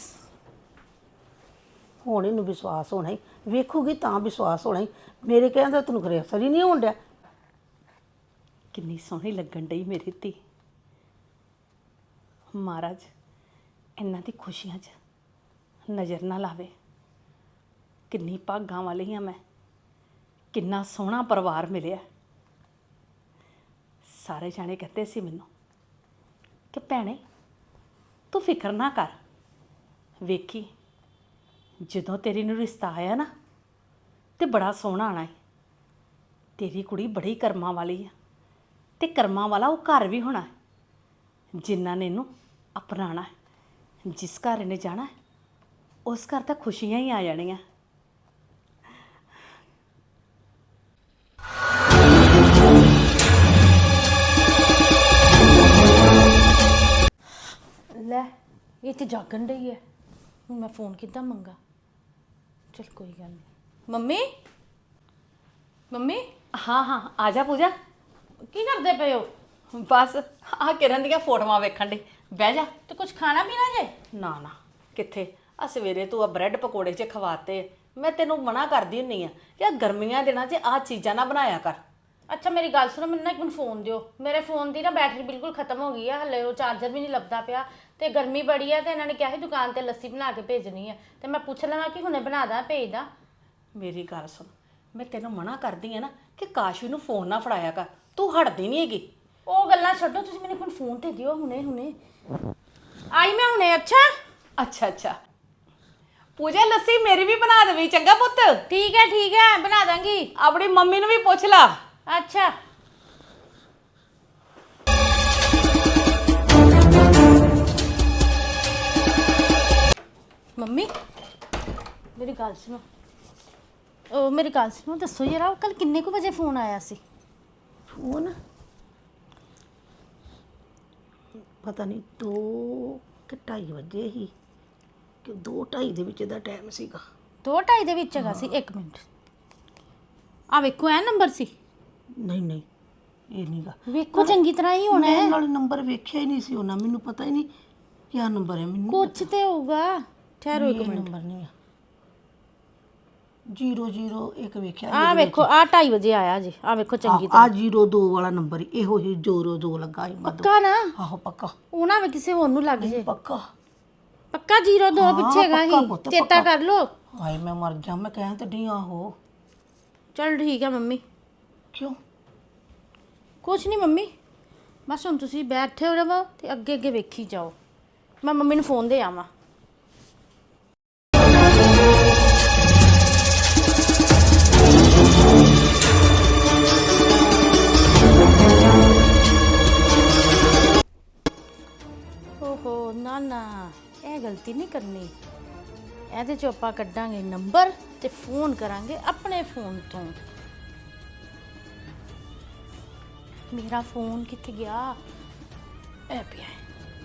S6: ਹੁਣ ਇਹਨੂੰ ਵਿਸ਼ਵਾਸ ਹੋਣਾ ਹੀ, ਵੇਖੂਗੀ ਤਾਂ ਵਿਸ਼ਵਾਸ ਹੋਣਾ ਹੀ, ਮੇਰੇ ਕਹਿਣ ਦਾ ਤੈਨੂੰ ਕਰੇ ਅਸਰ ਹੀ ਨਹੀਂ ਹੋਣ ਡਿਆ।
S7: ਕਿੰਨੀ ਸੋਹਣੀ ਲੱਗਣ ਡਈ ਮੇਰੀ ਧੀ। ਮਹਾਰਾਜ ਇਹਨਾਂ ਦੀ ਖੁਸ਼ੀਆਂ 'ਚ ਨਜ਼ਰ ਨਾ ਲਾਵੇ। ਕਿੰਨੀ ਭਾਗਾਂ ਵਾਲੀ ਹਾਂ ਮੈਂ, ਕਿੰਨਾ ਸੋਹਣਾ ਪਰਿਵਾਰ ਮਿਲਿਆ। ਸਾਰੇ ਜਾਣੇ ਕਹਿੰਦੇ ਸੀ ਮੈਨੂੰ ਕਿ ਭੈਣੇ ਤੂੰ ਫਿਕਰ ਨਾ ਕਰ, ਵੇਖੀ ਜਦੋਂ ਤੇਰੀ ਨੂੰ ਰਿਸ਼ਤਾ ਆਇਆ ਨਾ ਤੇ ਬੜਾ ਸੋਹਣਾ ਆਣਾ ਹੈ। ਤੇਰੀ ਕੁੜੀ ਬੜੀ ਕਰਮਾਂ ਵਾਲੀ ਆ ਤੇ ਕਰਮਾਂ ਵਾਲਾ ਉਹ ਘਰ ਵੀ ਹੋਣਾ ਹੈ ਜਿਨ੍ਹਾਂ ਨੇ ਇਹਨੂੰ ਅਪਣਾਉਣਾ ਹੈ। ਜਿਸ ਘਰ ਇਹਨੇ ਜਾਣਾ ਹੈ ਉਸ ਘਰ ਤਾਂ ਖੁਸ਼ੀਆਂ ਹੀ ਆ ਜਾਣੀਆਂ।
S1: ਲੈ ਇਹ ਤੇ ਜਾਗਣ ਡਈ ਹੈ। ਹੁਣ ਮੈਂ ਫੋਨ ਕਿੱਦਾਂ ਮੰਗਾ? ਚਲ ਕੋਈ ਗੱਲ ਨਹੀਂ। ਮੰਮੀ ਮੰਮੀ
S7: ਹਾਂ ਹਾਂ ਆ ਜਾ ਪੂਜਾ।
S1: ਕੀ ਕਰਦੇ ਪਏ ਹੋ?
S7: ਬਸ ਆ ਕਿਰਨ ਦੀਆਂ ਫੋਟੋਆਂ ਵੇਖਣ ਦੀ। ਬਹਿ ਜਾ।
S1: ਤੇ ਕੁਝ ਖਾਣਾ ਪੀਣਾ ਜੇ?
S7: ਨਾ ਨਾ ਕਿੱਥੇ, ਆ ਸਵੇਰੇ ਤੂੰ ਆ ਬ੍ਰੈਡ ਪਕੌੜੇ ਚ ਖਵਾਤੇ। ਮੈਂ ਤੈਨੂੰ ਮਨਾ ਕਰਦੀ ਹੁੰਨੀ ਆ ਕਿ ਆ ਗਰਮੀਆਂ ਦਿਨਾਂ 'ਚ ਆ ਚੀਜ਼ਾਂ ਨਾ ਬਣਾਇਆ ਕਰ।
S1: ਅੱਛਾ ਮੇਰੀ ਗੱਲ ਸੁਣੋ, ਮੈਨੂੰ ਨਾ ਇੱਕ ਮਿੰਟ ਫੋਨ ਦਿਓ। ਮੇਰੇ ਫੋਨ ਦੀ ਨਾ ਬੈਟਰੀ ਬਿਲਕੁਲ ਖਤਮ ਹੋ ਗਈ ਹੈ, ਹਲੇ ਉਹ ਚਾਰਜਰ ਵੀ ਨਹੀਂ ਲੱਭਦਾ ਪਿਆ ਤੇ ਗਰਮੀ ਬੜੀ ਹੈ ਤੇ ਇਹਨਾਂ ਨੇ ਕਿਹਾ ਸੀ ਦੁਕਾਨ ਤੇ ਲੱਸੀ ਬਣਾ ਕੇ ਭੇਜਣੀ ਹੈ ਤੇ ਮੈਂ ਪੁੱਛ ਲਵਾਂ ਕਿ ਹੁਣੇ ਬਣਾ ਦਾਂ ਭੇਜ ਦਾਂ।
S7: ਮੇਰੀ ਗੱਲ ਸੁਣ, ਮੈਂ ਤੈਨੂੰ ਮਨਾ ਕਰਦੀ ਆ ਨਾ ਕਿ ਕਾਸ਼ਵੀ ਨੂੰ ਫੋਨ ਨਾ ਫੜਾਇਆ ਕਰ। ਤੂੰ ਹਟਦੀ ਨਹੀਂ ਹੈਗੀ।
S1: ਉਹ ਗੱਲਾਂ ਛੱਡੋ, ਤੁਸੀਂ ਮੈਨੂੰ ਇੱਕ ਫੋਨ ਤੇ ਦਿਓ ਹੁਣੇ ਹੁਣੇ। ਆਈ ਮੈਂ ਹੁਣੇ। ਅੱਛਾ
S7: ਅੱਛਾ ਅੱਛਾ ਪੂਜਾ, ਲੱਸੀ ਮੇਰੀ ਵੀ ਬਣਾ ਦੇਵੀਂ ਚੰਗਾ ਪੁੱਤ।
S1: ਠੀਕ ਹੈ ਠੀਕ ਹੈ ਬਣਾ ਦਾਂਗੀ।
S7: ਆਪਣੀ ਮੰਮੀ ਨੂੰ ਵੀ ਪੁੱਛ ਲਾ।
S1: ਅੱਛਾ ਮੰਮੀ ਮੇਰੀ ਗੱਲ ਸੁਣੋ। ਉਹ ਮੇਰੀ ਗੱਲ ਸੁਣੋ, ਦੱਸੋ ਯਾਰ ਕੱਲ ਕਿੰਨੇ ਕੁ ਵਜੇ ਫੋਨ ਆਇਆ ਸੀ?
S6: ਫੋਨ ਪਤਾ ਨਹੀਂ ਦੋ ਕਿ ਢਾਈ ਵਜੇ ਹੀ, ਕਿ ਦੋ ਢਾਈ ਦੇ ਵਿੱਚ ਦਾ ਟਾਈਮ ਸੀਗਾ।
S1: ਦੋ ਢਾਈ ਦੇ ਵਿੱਚ ਹੈਗਾ ਸੀ। ਇੱਕ ਮਿੰਟ ਆ ਵੇਖੋ, ਇਹ ਨੰਬਰ ਸੀ?
S6: ਨਹੀਂ ਨਹੀਂ ਇਹ ਨਹੀਂਗਾ।
S1: ਵੇਖੋ ਚੰਗੀ ਤਰ੍ਹਾਂ ਹੀ ਹੋਣਾ ਹੈ।
S6: ਮੈਂ ਨਾਲ ਨੰਬਰ ਵੇਖਿਆ ਹੀ ਨਹੀਂ ਸੀ ਉਹਨਾਂ, ਮੈਨੂੰ ਪਤਾ ਹੀ ਨਹੀਂ ਕਿਆ ਨੰਬਰ ਹੈ। ਮੈਨੂੰ
S1: ਕੁਛ ਤੇ ਹੋਊਗਾ, ਠਹਿਰੋ ਇੱਕ ਮਿੰਟ।
S6: ਨੰਬਰ ਨਹੀਂ ਆ। ਜ਼ੀਰੋ ਜ਼ੀਰੋ ਇੱਕ ਵੇਖਿਆ।
S1: ਆ ਵੇਖੋ ਆ ਢਾਈ ਵਜੇ ਆਇਆ ਜੀ। ਆ ਵੇਖੋ ਚੰਗੀ
S6: ਆ
S1: ਤਰ੍ਹਾਂ।
S6: ਜ਼ੀਰੋ ਦੋ ਵਾਲਾ ਨੰਬਰ ਇਹੋ ਹੀ ਜ਼ੀਰੋ ਦੋ ਲੱਗਾ ਹੀ ਮਦੋਂ।
S1: ਪੱਕਾ ਨਾ?
S6: ਆਹੋ ਪੱਕਾ।
S1: ਉਹ ਨਾ ਵੇ ਕਿਸੇ ਹੋਰ ਨੂੰ ਲੱਗ ਜੇ।
S6: ਪੱਕਾ
S1: ਪੱਕਾ ਜ਼ੀਰੋ ਦੋ ਪਿੱਛੇ ਹੈਗਾ
S6: ਪੱਕਾ
S1: ਹੀ,
S6: ਪੁੱਤ,
S1: ਚੇਤਾ
S6: ਪੱਕਾ।
S1: ਕਰ ਲੋ।
S6: ਹਾਏ ਮੈਂ ਮਰ ਜਾ, ਮੈਂ ਕਹਿਣ ਤੇ ਢੀ ਆਹੋ।
S1: ਚਲ ਠੀਕ ਹੈ ਮੰਮੀ।
S6: ਕਿਉਂ?
S1: ਕੁਛ ਨਹੀਂ ਮੰਮੀ, ਬਸ ਹੁਣ ਤੁਸੀਂ ਬੈਠੇ ਹੋ ਰਹੋ ਤੇ ਅੱਗੇ ਅੱਗੇ ਵੇਖੀ ਜਾਓ। ਮੈਂ ਮੰਮੀ ਨੂੰ ਫੋਨ ਦੇ ਆਵਾਂ। ਓਹੋ ਨਾ ਨਾ, ਇਹ ਗਲਤੀ ਨਹੀਂ ਕਰਨੀ। ਇਹਦੇ ਚੋਂ ਆਪਾਂ ਕੱਢਾਂਗੇ ਨੰਬਰ ਤੇ ਫੋਨ ਕਰਾਂਗੇ ਆਪਣੇ ਫੋਨ ਤੋਂ। ਮੇਰਾ ਫੋਨ ਕਿੱਥੇ ਗਿਆ? ਇਹ ਪਿਆ ਹੈ।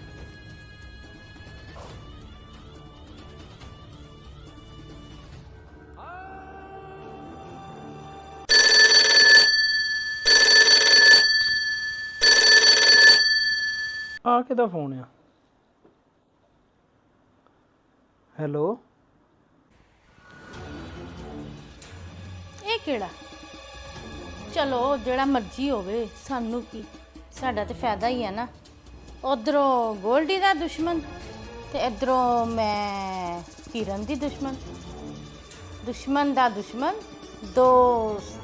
S8: ਆ ਕਿਹਦਾ ਫੋਨ ਆ? ਹੈਲੋ,
S1: ਇਹ ਕਿਹੜਾ? ਚਲੋ ਜਿਹੜਾ ਮਰਜ਼ੀ ਹੋਵੇ, ਸਾਨੂੰ ਕੀ, ਸਾਡਾ ਤੇ ਫਾਇਦਾ ਹੀ ਹੈ ਨਾ। ਉਧਰੋਂ ਗੋਲਡੀ ਦਾ ਦੁਸ਼ਮਣ ਤੇ ਇਧਰੋਂ ਮੈਂ ਕਿਰਨ ਦੀ ਦੁਸ਼ਮਣ। ਦੁਸ਼ਮਣ ਦਾ ਦੁਸ਼ਮਣ ਦੋਸਤ।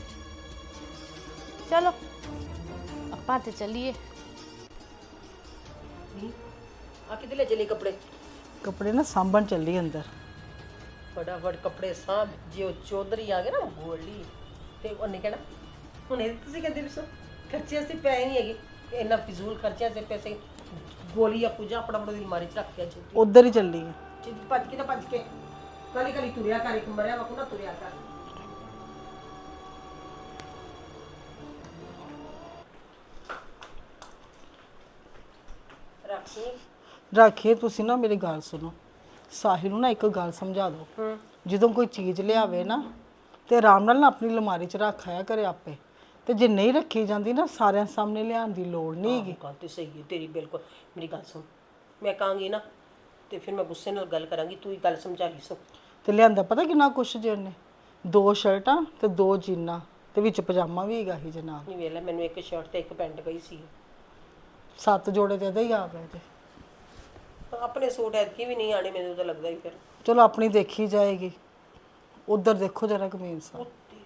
S1: ਚਲੋ ਆਪਾਂ ਤੇ ਚੱਲੀਏ।
S3: ਆ ਕਿਤੇ ਲੈ ਚਲੇ ਕੱਪੜੇ?
S8: ਕੱਪੜੇ ਨਾ ਸਾਂਭਣ ਚੱਲੀ ਅੰਦਰ।
S3: ਫਟਾਫਟ ਕੱਪੜੇ ਸਾਂਭ। ਜੇ ਉਹ ਚੌਧਰੀ ਆ ਗਏ ਨਾ ਗੋਲੀ ਤੇ ਉਹਨੇ ਕਹਿਣਾ ਹੁਣ ਇਹ ਤੁਸੀਂ ਕਹਿੰਦੇ ਵੀ ਸੋ ਖਰਚੇ ਅਸੀਂ ਪੈਸੇ ਨਹੀਂ ਹੈਗੇ, ਇੰਨਾ ਫਿਜ਼ੂਲ ਖਰਚਿਆਂ ਦੇ ਪੈਸੇ ਗੋਲੀ ਆ ਪੂਜਾ ਆਪਣਾ ਆਪਣੀ ਅਲਮਾਰੀ ਚ ਰੱਖ ਕੇ ਜੀ
S8: ਉਧਰ ਹੀ ਚੱਲੀ ਆ।
S3: ਭੱਜ ਕੇ ਤਾਂ ਭੱਜ ਕੇ ਕਾਲੀ ਕਾਲੀ ਤੁਰਿਆ ਕਰ, ਇੱਕ ਮਰਿਆ ਵਾ ਨਾ ਤੁਰਿਆ ਕਰ। ਰੱਖੀ
S8: ਰੱਖੇ। ਤੁਸੀਂ ਨਾ ਮੇਰੀ ਗੱਲ ਸੁਣੋ, ਸਾਹਿਲ ਨੂੰ ਨਾ ਇੱਕ ਗੱਲ ਸਮਝਾ ਦਿਓ। ਜਦੋਂ ਕੋਈ ਚੀਜ਼ ਲਿਆਵੇ ਨਾ ਤੇ ਆਰਾਮ ਨਾਲ ਨਾ ਆਪਣੀ ਅਲਮਾਰੀ 'ਚ ਰੱਖ ਆਇਆ ਕਰੇ ਆਪੇ। ਤੇ ਜੇ ਨਹੀਂ ਰੱਖੀ ਜਾਂਦੀ ਨਾ ਸਾਰਿਆਂ ਸਾਹਮਣੇ ਲਿਆਉਣ ਦੀ ਲੋੜ ਨਹੀਂ ਹੈਗੀ।
S3: ਗੱਲ ਤੇ ਸਹੀ ਹੈ ਤੇਰੀ ਬਿਲਕੁਲ। ਮੇਰੀ ਗੱਲ ਸੁਣ, ਮੈਂ ਕਹਾਂਗੀ ਨਾ ਤੇ ਫਿਰ ਮੈਂ ਗੁੱਸੇ ਨਾਲ ਗੱਲ ਕਰਾਂਗੀ, ਤੂੰ ਹੀ ਗੱਲ ਸਮਝਾ ਲਈ ਸੋ।
S8: ਤੇ ਲਿਆਂਦਾ ਪਤਾ ਕਿੰਨਾ ਕੁਛ ਜੇ ਉਹਨੇ? ਦੋ ਸ਼ਰਟਾਂ ਤੇ ਦੋ ਜੀਨਾਂ ਤੇ ਵਿੱਚ ਪਜਾਮਾ ਵੀ ਹੈਗਾ ਸੀ ਜਨਾਬ।
S3: ਨਹੀਂ ਵੇਲਾ ਮੈਨੂੰ ਇੱਕ ਸ਼ਰਟ ਤੇ ਇੱਕ ਪੈਂਟ ਗਈ ਸੀ।
S8: ਸੱਤ ਜੋੜੇ ਤੇ ਇਹਦੇ ਹੀ ਆ ਪਏ ਤੇ।
S3: ਆਪਣੇ ਸੂਟ ਐਤਕੀ ਵੀ ਨਹੀਂ ਆਣੇ ਮੈਨੂੰ ਤਾਂ ਲੱਗਦਾ ਹੀ। ਫਿਰ
S8: ਚਲੋ ਆਪਣੀ ਦੇਖੀ ਜਾਏਗੀ। ਉਧਰ ਦੇਖੋ ਜਰਾ ਕਮੀਜ਼ ਸਾਹਿਬ।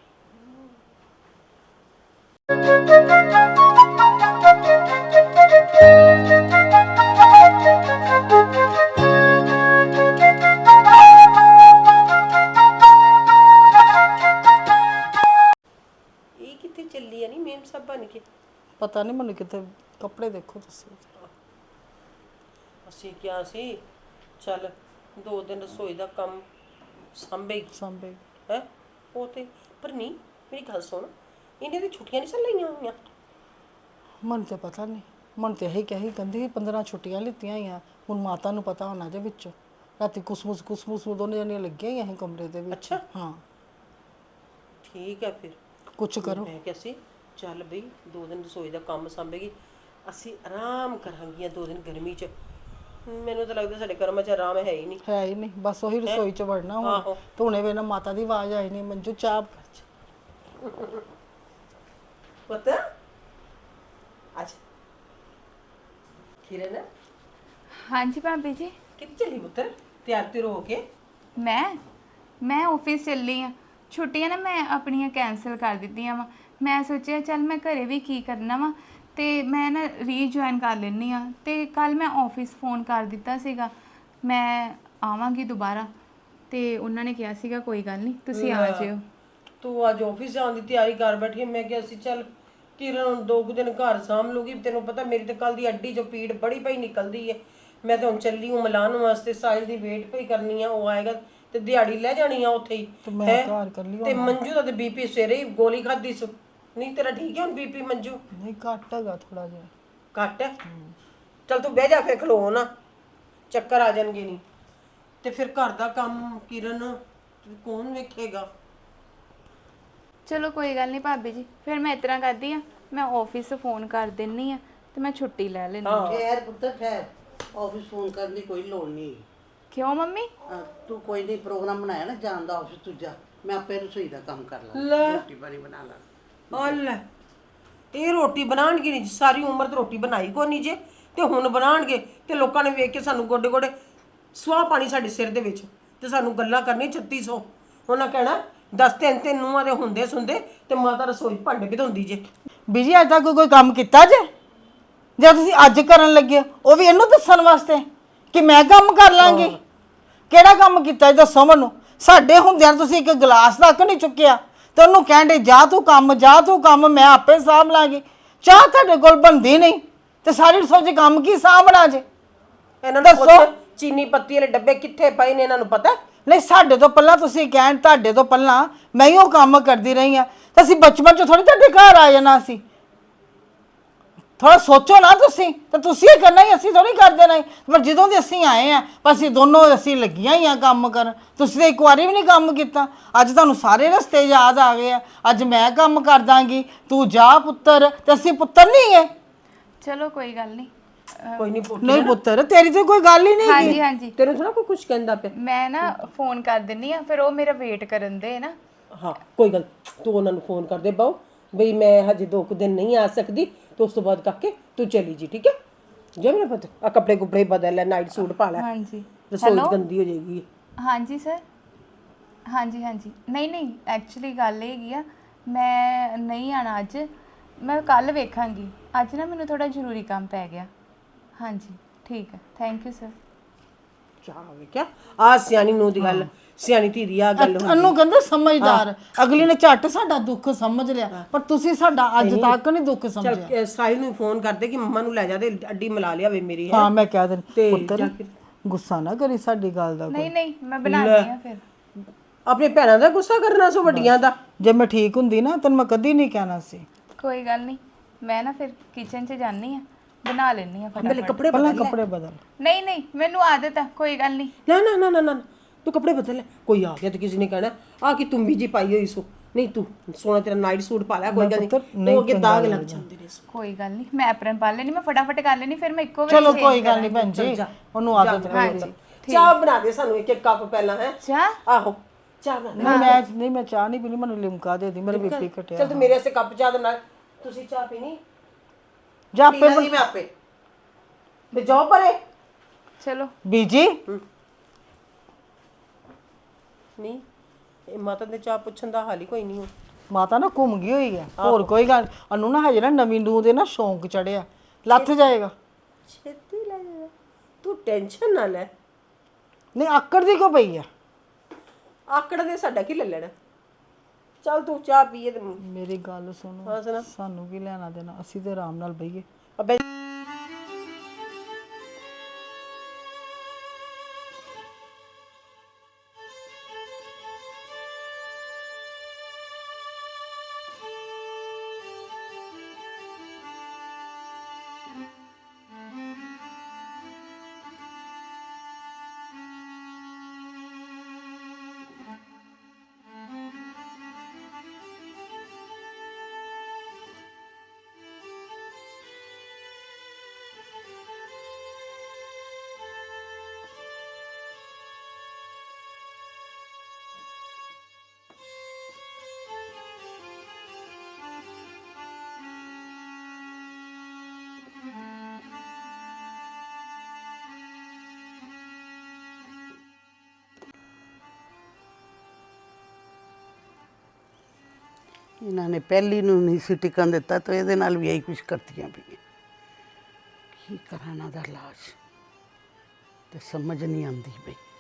S3: ਇਹ ਕਿੱਥੇ ਚੱਲੀ ਆ? ਨਹੀਂ ਮੇਮ ਸਾਹਿਬ ਬਣ ਕੇ।
S8: ਪਤਾ ਨਹੀਂ ਮੈਨੂੰ ਕਿਤੇ। ਕੱਪੜੇ ਦੇਖੋ ਤੁਸੀਂ।
S3: ਅਸੀਂ ਕਿਹਾ ਸੀ ਚੱਲ ਦੋ ਦਿਨ ਰਸੋਈ ਦਾ ਕੰਮ ਸੰਭੇ
S8: ਸਾਂਭੇ
S3: ਹੈ ਉਹ ਤੇ, ਪਰ ਨਹੀਂ। ਮੇਰੀ ਗੱਲ ਸੁਣ, ਇਹਨੇ ਦੀ ਛੁੱਟੀਆਂ ਨਹੀਂ ਚੱਲ ਲਈਆਂ ਹੋਈਆਂ?
S8: ਮਨ ਤੇ ਪਤਾ ਨਹੀਂ। ਮਨ ਤੇ ਇਹੀ ਕਹੀ ਕਹਿੰਦੀ ਪੰਦਰਾਂ ਛੁੱਟੀਆਂ ਲਿੱਤੀਆਂ ਹੋਈਆਂ, ਹੁਣ ਮਾਤਾ ਨੂੰ ਪਤਾ ਹੋਣਾ ਜੇ ਵਿੱਚੋਂ ਰਾਤੀ ਕੁਸਮੁਸ ਕੁਸਮੁਸ ਦੋਨੇ ਜਣੀਆਂ ਲੱਗੀਆਂ ਹੀ ਅਸੀਂ ਕਮਰੇ ਦੇ ਵਿੱਚ
S3: ਅੱਛਾ।
S8: ਹਾਂ
S3: ਠੀਕ ਹੈ ਫਿਰ
S8: ਕੁਛ ਕਰੋ।
S3: ਮੈਂ ਕਿਹਾ ਸੀ ਚੱਲ ਬਈ ਦੋ ਦਿਨ ਰਸੋਈ ਦਾ ਕੰਮ ਸੰਭੇਗੀ, ਅਸੀਂ ਆਰਾਮ ਕਰਾਂਗੀਆਂ ਦੋ ਦਿਨ ਗਰਮੀ 'ਚ। ਮੈਨੂੰ ਤਾਂ ਲੱਗਦਾ ਸਾਡੇ ਕਰਮਾਂ 'ਚ ਆਰਾਮ ਹੈ ਹੀ ਨਹੀਂ।
S8: ਹੈ ਹੀ ਨਹੀਂ, ਬਸ ਉਹੀ ਰਸੋਈ 'ਚ ਵੜਨਾ ਹੁਣ।
S3: ਆਹੋ।
S8: ਧੋਣੇ ਵੇਲੇ ਮਾਤਾ ਦੀ ਆਵਾਜ਼ ਆਈ ਨਹੀਂ, ਮੰਜੂ ਚਾਹ
S3: ਪਤਾ ਅੱਛਾ ਕਿਰਨ
S9: ਹਾਂਜੀ ਭਾਬੀ ਜੀ।
S3: ਕਿੱਥੇ ਚਲੀ ਪੁੱਤਰ? ਤਿਆਰ ਤਿਰ ਹੋ ਕੇ
S9: ਮੈਂ ਮੈਂ ਆਫਿਸ ਚੱਲੀ ਆ। ਛੁੱਟੀਆਂ ਨਾ ਮੈਂ ਆਪਣੀਆਂ ਕੈਂਸਲ ਕਰ ਦਿੱਤੀਆਂ ਵਾ। ਮੈਂ ਸੋਚਿਆ ਚੱਲ ਮੈਂ ਘਰੇ ਵੀ ਕੀ ਕਰਨਾ ਵਾ ਤੇ ਮੈਂ ਨਾ ਰੀਜੁਆਇਨ ਕਰ ਲੈਣੀ ਆ। ਤੇ ਕੱਲ ਮੈਂ ਆਫਿਸ ਫੋਨ ਕਰ ਦਿੱਤਾ ਸੀਗਾ ਮੈਂ ਆਵਾਂਗੀ ਦੁਬਾਰਾ, ਤੇ ਉਹਨਾਂ ਨੇ ਕਿਹਾ ਸੀਗਾ ਕੋਈ ਗੱਲ ਨਹੀਂ ਤੁਸੀਂ ਆ ਜਿਓ।
S3: ਤੂੰ ਅੱਜ ਆਫਿਸ ਜਾਣ ਦੀ ਤਿਆਰੀ ਕਰ ਬੈਠੀ ਹੈ। ਮੈਂ ਕਿਹਾ ਸੀ ਚੱਲ ਕਿਰਨ ਹੁਣ ਦੋ ਕੁ ਦਿਨ ਘਰ ਸਾਂਭ ਲੂਗੀ। ਤੈਨੂੰ ਪਤਾ ਮੇਰੀ ਤੇ ਕੱਲ ਦੀ ਅੱਡੀ ਚੋਂ ਪੀੜ ਬੜੀ ਪਈ ਨਿਕਲਦੀ ਹੈ। ਮੈਂ ਤਾਂ ਹੁਣ ਚੱਲੀ ਹੂੰ ਮਿਲਾਨ ਵਾਸਤੇ, ਸਾਹਿਲ ਦੀ ਵੇਟ ਪਈ ਕਰਨੀ ਆ, ਉਹ ਆਏਗਾ ਤੇ ਦਿਹਾੜੀ ਲੈ ਜਾਣੀ ਆ ਉੱਥੇ ਹੀ।
S8: ਮੈਂ
S3: ਹੈਂ?
S8: ਘਰ ਕਰ ਲਈ
S3: ਤੇ ਮੰਜੂ ਦਾ ਤੇ ਬੀਪੀ ਸਵੇਰੇ ਹੀ ਗੋਲੀ ਖਾਧੀ ਸੀ। ਨਹੀਂ ਤੇਰਾ ਠੀਕ ਹੈ ਹੁਣ ਬੀਪੀ ਮੰਜੂ?
S8: ਨਹੀਂ, ਘੱਟ ਹੈਗਾ ਥੋੜਾ ਜਿਹਾ।
S3: ਘੱਟ ਹੈ? ਚੱਲ ਤੂੰ ਬਹਿ ਜਾ ਫਿਰ, ਖਲੋ ਨਾ, ਚੱਕਰ ਆ ਜਾਣਗੇ ਨਹੀਂ ਤੇ ਫਿਰ ਘਰ ਦਾ ਕੰਮ ਕਿਰਨ ਕੌਣ ਵੇਖੇਗਾ?
S9: ਚਲੋ ਕੋਈ ਗੱਲ ਨਹੀਂ ਭਾਬੀ ਜੀ, ਫਿਰ ਮੈਂ ਇਸ ਤਰ੍ਹਾਂ ਕਰਦੀ ਆ ਮੈਂ ਆਫਿਸ ਫੋਨ ਕਰ ਦਿੰਨੀ ਆ ਤੇ ਮੈਂ ਛੁੱਟੀ ਲੈ ਲੈਂਦੀ ਹਾਂ।
S2: ਖੈਰ ਪੁੱਤਰ ਖੈਰ, ਆਫਿਸ ਫੋਨ ਕਰਨ ਦੀ ਕੋਈ ਲੋੜ ਨਹੀਂ।
S9: ਕਿਉਂ ਮੰਮੀ?
S2: ਅਹ ਤੂੰ ਕੋਈ ਨਹੀਂ ਪ੍ਰੋਗਰਾਮ ਬਣਾਇਆ ਨਾ ਜਾਣ ਦਾ ਆਫਿਸ, ਤੂੰ ਜਾ, ਮੈਂ ਆਪੇ ਰਸੋਈ ਦਾ ਕੰਮ ਕਰ
S3: ਲੈ।
S2: ਲਾਂਗੀ, ਰੋਟੀ ਪਾਣੀ ਬਣਾ ਲਾਂਗੀ।
S3: ਆ ਲੈ, ਇਹ ਰੋਟੀ ਬਣਾਉਣਗੇ ਨਹੀਂ, ਸਾਰੀ ਉਮਰ ਤੇ ਰੋਟੀ ਬਣਾਈ ਕੋ ਨਹੀਂ ਜੇ, ਤੇ ਹੁਣ ਬਣਾਉਣਗੇ ਤੇ ਲੋਕਾਂ ਨੇ ਵੇਖ ਕੇ ਸਾਨੂੰ ਗੋਡੇ ਗੋਡੇ ਸਵਾਹ ਪਾਣੀ ਸਾਡੇ ਸਿਰ ਦੇ ਵਿੱਚ, ਤੇ ਸਾਨੂੰ ਗੱਲਾਂ ਕਰਨੀ ਛੱਤੀ ਸੌ। ਉਹਨਾਂ ਕਹਿਣਾ ਦਸ ਤਿੰਨ ਤਿੰਨ ਨੂੰਹਾਂ ਦੇ ਹੁੰਦੇ ਸੁਣਦੇ ਤੇ ਮਾਤਾ ਰਸੋਈ ਭਾਂਡੇ ਵੀ ਧੋਂਦੀ ਜੇ।
S8: ਬੀਜੀ ਅੱਜ ਤੱਕ ਕੋਈ ਕੰਮ ਕੀਤਾ ਜੇ? ਜੇ ਤੁਸੀਂ ਅੱਜ ਕਰਨ ਲੱਗੇ ਉਹ ਵੀ ਇਹਨੂੰ ਦੱਸਣ ਵਾਸਤੇ ਕਿ ਮੈਂ ਕੰਮ ਕਰ ਲਾਂਗੀ? ਕਿਹੜਾ ਕੰਮ ਕੀਤਾ ਜੀ ਦੱਸੋ ਮੈਨੂੰ। ਸਾਡੇ ਹੁੰਦਿਆਂ ਤੁਸੀਂ ਇੱਕ ਗਲਾਸ ਤੱਕ ਨਹੀਂ ਚੁੱਕਿਆ ਤੇ ਉਹਨੂੰ ਕਹਿੰਦੇ ਜਾ ਤੂੰ ਕੰਮ ਜਾ ਤੂੰ ਕੰਮ, ਮੈਂ ਆਪੇ ਸਾਂਭ ਲਾਂਗੀ। ਚਾਹ ਤੁਹਾਡੇ ਕੋਲ ਬਣਦੀ ਨਹੀਂ ਤੇ ਸਾਰੀ ਰਸੋਈ 'ਚ ਕੰਮ ਕੀ ਸਾਂਭਣਾ ਜੇ?
S3: ਇਹਨਾਂ ਨੂੰ ਪੁੱਛ ਚੀਨੀ ਪੱਤੀ ਵਾਲੇ ਡੱਬੇ ਕਿੱਥੇ ਪਏ ਨੇ, ਇਹਨਾਂ ਨੂੰ ਪਤਾ?
S8: ਨਹੀਂ, ਸਾਡੇ ਤੋਂ ਪਹਿਲਾਂ ਤੁਸੀਂ ਕਹਿਣ ਤੁਹਾਡੇ ਤੋਂ ਪਹਿਲਾਂ ਮੈਂ ਹੀ ਉਹ ਕੰਮ ਕਰਦੀ ਰਹੀ ਆ ਤੇ ਅਸੀਂ ਬਚਪਨ 'ਚ ਥੋੜੀ ਤੁਹਾਡੇ ਘਰ ਆ ਜਾਣਾ ਸੀ। ਥੋੜਾ ਸੋਚੋ ਨਾ ਤੁਸੀਂ, ਤੇ ਤੁਸੀਂ ਇਹ ਕਰਨਾ ਹੀ, ਅਸੀਂ ਥੋੜੀ ਕਰ ਦੇਣਾ ਹੀ। ਪਰ ਜਦੋਂ ਦੇ ਅਸੀਂ ਆਏ ਆ ਪਰ ਅਸੀਂ ਦੋਨੋਂ ਅਸੀਂ ਲੱਗੀਆਂ ਹੀ ਆ ਕੰਮ ਕਰਨ। ਤੁਸੀਂ ਤਾਂ ਇੱਕ ਵਾਰੀ ਵੀ ਨਹੀਂ ਕੰਮ ਕੀਤਾ। ਅੱਜ ਤੁਹਾਨੂੰ ਸਾਰੇ ਰਸਤੇ ਯਾਦ ਆ ਗਏ ਆ। ਅੱਜ ਮੈਂ ਕੰਮ ਕਰ ਦਾਂਗੀ, ਤੂੰ ਜਾ ਪੁੱਤਰ, ਤੇ ਅਸੀਂ ਪੁੱਤਰ ਨਹੀਂ ਗਏ।
S9: ਚਲੋ ਕੋਈ ਗੱਲ ਨਹੀਂ।
S3: ਕੋਈ ਨਹੀਂ ਪੁੱਛ
S8: ਨਹੀਂ ਪੁੱਤਰ, ਤੇਰੀ ਤੇ ਕੋਈ ਗੱਲ ਹੀ ਨਹੀਂ।
S9: ਹਾਂਜੀ ਹਾਂਜੀ,
S3: ਤੈਨੂੰ ਥੋੜਾ ਕੋਈ ਕੁਝ ਕਹਿੰਦਾ ਪਿਆ।
S9: ਮੈਂ ਨਾ ਫੋਨ ਕਰ ਦਿੰਨੀ ਆ, ਫਿਰ ਉਹ ਮੇਰਾ ਵੇਟ ਕਰਨ ਦੇ ਨਾ।
S3: ਹਾਂ ਕੋਈ ਗੱਲ, ਤੂੰ ਉਹਨਾਂ ਨੂੰ ਫੋਨ ਕਰ ਦੇ ਬਾਊ ਬਈ ਮੈਂ ਹਜੇ ਦੋ ਕੁ ਦਿਨ ਨਹੀਂ ਆ ਸਕਦੀ, ਤੇ ਉਸ ਤੋਂ ਬਾਅਦ ਕਾਕੇ ਤੂੰ ਚਲੀ ਜੀ, ਠੀਕ ਹੈ? ਜੇ ਮੇਰਾ ਪੁੱਤ ਆ ਕੱਪੜੇ ਕੁਪੜੇ ਬਦਲ ਲੈ, ਨਾਈਟ ਸੂਟ ਪਾ ਲੈ,
S9: ਹਾਂਜੀ।
S3: ਰਸੋਈ ਗੰਦੀ ਹੋ ਜਾਏਗੀ।
S9: ਹਾਂਜੀ ਸਰ, ਹਾਂਜੀ ਹਾਂਜੀ। ਨਹੀਂ ਨਹੀਂ, ਐਕਚੁਅਲੀ ਗੱਲ ਇਹ ਹੈਗੀ ਆ ਮੈਂ ਨਹੀਂ ਆਣਾ ਅੱਜ, ਮੈਂ ਕੱਲ ਵੇਖਾਂਗੀ। ਅੱਜ ਨਾ ਮੈਨੂੰ ਥੋੜਾ ਜ਼ਰੂਰੀ ਕੰਮ ਪੈ ਗਿਆ। ਹਾਂਜੀ ਠੀਕ ਹੈ, ਥੈਂਕ ਯੂ ਸਰ।
S3: ਚਾਹ ਵੇਖਿਆ ਆ ਸਿਆਣੀ ਨੂੰ ਦੀ ਗੱਲ, ਸਿਆਣੀ ਧੀ ਦੀ ਆ ਗੱਲ ਹੁੰਦੀ।
S8: ਇਹਨੂੰ ਕਹਿੰਦੇ ਸਮਝਦਾਰ। ਅਗਲੀ ਨੇ ਝੱਟ ਸਾਡਾ ਦੁੱਖ ਸਮਝ ਲਿਆ, ਪਰ ਤੁਸੀਂ ਸਾਡਾ ਅੱਜ ਤੱਕ ਨਹੀਂ ਦੁੱਖ ਸਮਝਿਆ।
S3: ਚੱਲ ਸਾਹਿਲ ਨੂੰ ਫੋਨ ਕਰਦੇ ਕਿ ਮੰਮਾ ਨੂੰ ਲੈ ਜਾ ਤੇ ਅੱਡੀ ਮਿਲਾ ਲਿਆਵੇ ਮੇਰੀ।
S8: ਹਾਂ ਮੈਂ ਕਹਿ ਦਿੰਦੀ
S3: ਤੇ
S8: ਪੁੱਤਰ
S3: ਜਾ ਕੇ-
S8: ਗੁੱਸਾ ਨਾ ਕਰੀ ਸਾਡੀ ਗੱਲ ਦਾ।
S9: ਨਹੀਂ ਨਹੀਂ, ਮੈਂ ਬਣਾਉਂਦੀ ਆ ਫਿਰ।
S3: ਆਪਣੇ ਭੈਣਾਂ ਦਾ ਗੁੱਸਾ ਕਰਨਾ ਸੋ ਵੱਡੀਆਂ ਦਾ।
S8: ਜੇ ਮੈਂ ਠੀਕ ਹੁੰਦੀ ਨਾ ਤੈਨੂੰ ਮੈਂ ਕਦੀ ਨਹੀਂ ਕਹਿਣਾ ਸੀ।
S9: ਕੋਈ ਗੱਲ ਨਹੀਂ, ਮੈਂ ਨਾ ਫਿਰ ਕਿਚਨ 'ਚ ਜਾਨੀ ਆ, ਬਣਾ ਲੈਣੀ ਆ
S3: ਪਹਿਲੇ
S9: ਫਟਾਫਟ।
S3: ਕੱਪੜੇ
S8: ਪਹਿਲਾਂ
S3: ਬਦਲ ਲੈ।
S8: ਕੱਪੜੇ ਬਦਲ।
S9: ਨਹੀਂ ਨਹੀਂ, ਮੈਨੂੰ ਆਦਤ ਆ, ਕੋਈ ਗੱਲ ਨਹੀਂ।
S3: ਨਾ ਨਾ ਨਾ ਨਾ ਨਾ ਤੂੰ ਕੱਪੜੇ ਬਦਲ ਲੈ। ਕੋਈ ਆ ਗਿਆ ਤੇ ਕਿਸੇ ਨੇ ਕਹਿਣਾ ਆ ਕਿ ਤੂੰ ਬੀਜੀ ਪਾਈ ਹੋਈ ਸੋ। ਨਹੀਂ ਤੂੰ ਸੋਹਣਾ ਤੇਰਾ ਨਾਈਟ ਸੂਟ ਪਾ ਲੈ, ਕੋਈ ਗੱਲ ਨਹੀਂ, ਉਹ ਅੱਗੇ ਦਾਗ ਲੱਗ ਜਾਂਦੇ ਨੇ।
S9: ਕੋਈ ਗੱਲ ਨਹੀਂ, ਮੈਂ ਐਪਰਨ ਪਾ ਲੈਣੀ, ਮੈਂ ਫਟਾਫਟ ਕਰ ਲੈਣੀ, ਫਿਰ ਮੈਂ ਇੱਕੋ ਵਾਰ
S8: ਚਲੋ ਕੋਈ ਗੱਲ ਨਹੀਂ ਭੈਣ ਜੀ, ਉਹਨੂੰ ਆਦਤ
S9: ਹਾਂਜੀ
S3: ਚਾਹ ਬਣਾ ਦੇ ਸਾਨੂੰ ਇੱਕ ਇੱਕ ਕੱਪ ਪਹਿਲਾਂ ਹੈ।
S9: ਚਾਹ?
S3: ਆਹੋ ਚਾਹ ਬਣਾ ਦੇ।
S8: ਨਹੀਂ ਮੈਂ ਨਹੀਂ ਮੈਂ ਚਾਹ ਨਹੀਂ ਪੀਣੀ, ਮੈਨੂੰ ਲਿਮਕਾ ਦੇ ਦੀ, ਮੇਰਾ ਬੀਪੀ ਘਟਿਆ।
S3: ਚਲ ਤੂੰ ਮੇਰੇ ਵਾਸਤੇ ਕੱਪ ਚਾਹ ਦੇ ਨਾਲ, ਤੁਸੀਂ ਚਾਹ ਪੀਣੀ?
S8: ਜਾ ਆਪੇ
S2: ਨਹੀਂ ਮੈਂ ਆਪੇ
S3: ਤੇ ਜਾਓ ਪਰੇ।
S9: ਚਲੋ
S8: ਬੀਜੀ
S3: ਨਹੀਂ ਇਹ ਮਾਤਾ ਦੇ ਚਾਹ ਪੁੱਛਣ ਦਾ ਹਾਲ ਹੀ ਕੋਈ ਨਹੀਂ ਹੋ।
S8: ਮਾਤਾ ਨਾ ਘੁੰਮ ਗਈ ਹੋਈ ਹੈ, ਹੋਰ ਕੋਈ ਗੱਲ। ਉਹਨੂੰ ਨਾ ਹਜੇ ਨਾ ਨਵੀਂ ਨੂੰ ਦੇ ਨਾ ਸ਼ੌਂਕ ਚੜਿਆ, ਲੱਥ ਜਾਏਗਾ।
S3: ਛੇਤੀ ਲੈ ਜਾ, ਤੂੰ ਟੈਨਸ਼ਨ ਨਾ ਲੈ।
S8: ਨਹੀਂ ਆਕੜ ਦੀ ਕਿਉਂ ਪਈ ਆ?
S3: ਆਕੜ ਦੇ ਸਾਡਾ ਕੀ ਲੈ ਲੈਣਾ। ਚੱਲ ਤੂੰ ਚਾਹ ਪੀਏ ਤੇ
S8: ਮੇਰੀ ਗੱਲ ਸੁਣੋ,
S3: ਹਾਂ ਸੁਣਾ।
S8: ਸਾਨੂੰ ਕੀ ਲੈਣਾ ਦੇਣਾ, ਅਸੀਂ ਤੇ ਆਰਾਮ ਨਾਲ ਬਈਏ।
S3: ਅਬੇ
S2: ਇਹਨਾਂ ਨੇ ਪਹਿਲੀ ਨੂੰ ਨਹੀਂ ਸੀ ਟਿਕਣ ਦਿੱਤਾ ਤਾਂ ਇਹਦੇ ਨਾਲ ਵੀ ਇਹੀ ਕੁਝ ਕਰਤੀਆਂ ਪਈਆਂ। ਕੀ ਕਰਾਂ ਇਹਨਾਂ ਦਾ ਇਲਾਜ ਤੇ ਸਮਝ ਨਹੀਂ ਆਉਂਦੀ ਪਈ।